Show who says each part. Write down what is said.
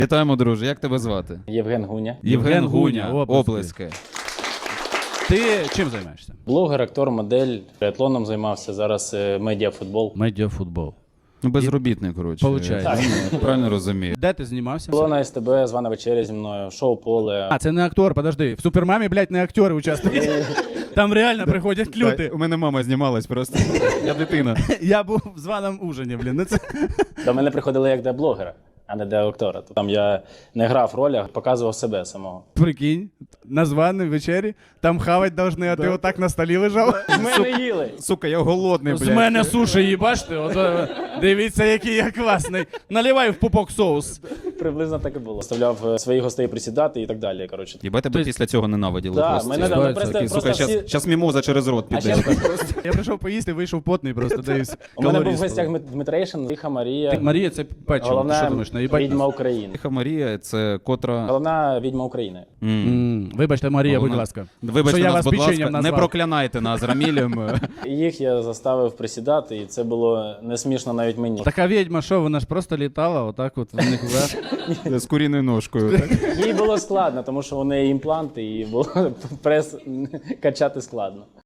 Speaker 1: Вітаємо, друже. Як тебе звати?
Speaker 2: Євген Гуня.
Speaker 1: Євген Гуня.
Speaker 3: Оплески.
Speaker 1: Оплески.
Speaker 3: Ти чим займаєшся?
Speaker 2: Блогер, актор, модель, триатлоном займався, зараз медіафутбол.
Speaker 3: Медіафутбол.
Speaker 1: Ну, безробітний, коротше.
Speaker 3: Получається.
Speaker 1: Правильно розумію.
Speaker 3: Де ти знімався?
Speaker 2: Було на СТБ, звана вечеря зі мною, шоу «Поле».
Speaker 3: А, це не актор, подожди. В Супермамі, блядь, не актори участвують. Там реально приходять люди.
Speaker 1: У мене мама знімалась просто. Я дитина.
Speaker 3: Я був в званому ужині, блін. Ну це...
Speaker 2: До мене приходили як до блогера, а не до актора. Там я не грав роль, а показував себе самого.
Speaker 3: Прикинь, на званій вечері, там хавать должны, а ти отак на столі лежав.
Speaker 2: З мене їли!
Speaker 1: Сука, я голодний, блядь.
Speaker 3: З мене суші їбаште, дивіться, який я класний. Наливай в пупок соус.
Speaker 2: Приблизно так і було. Заставляв своїх гостей присідати і так далі. Коротше.
Speaker 1: Єбать, тебе після цього ненавиділи
Speaker 2: Да,
Speaker 1: просто.
Speaker 2: мене
Speaker 3: Ситуація
Speaker 2: просто,
Speaker 3: такі,
Speaker 2: просто
Speaker 1: Сука,
Speaker 2: всі...
Speaker 1: щас мімоза через рот
Speaker 2: А
Speaker 1: піде.
Speaker 2: ще
Speaker 3: Я прийшов поїсти, вийшов потний просто, дивись.
Speaker 2: у мене був в гостях Дмитрейшин, Тиха Марія,
Speaker 3: Марія, це печиво, ти що
Speaker 2: головна
Speaker 3: думаєш, наїбать
Speaker 2: відьма
Speaker 3: нас?
Speaker 2: України.
Speaker 1: Тиха Марія, це котра...
Speaker 2: Головна відьма України.
Speaker 3: Вибачте, Марія, будь
Speaker 1: Головна-
Speaker 3: ласка.
Speaker 1: Вибачте
Speaker 3: що я
Speaker 1: нас,
Speaker 3: вас
Speaker 1: будь ласка,
Speaker 3: печенням
Speaker 1: не
Speaker 3: назвав.
Speaker 1: проклянайте нас Рамілем.
Speaker 2: Їх я заставив присідати, і це було не смішно навіть мені.
Speaker 3: Така відьма, що вона ж просто літала, отак от в них вверх.
Speaker 1: З куріною ножкою. Так?
Speaker 2: Їй було складно, тому що у неї імпланти, і було прес качати складно.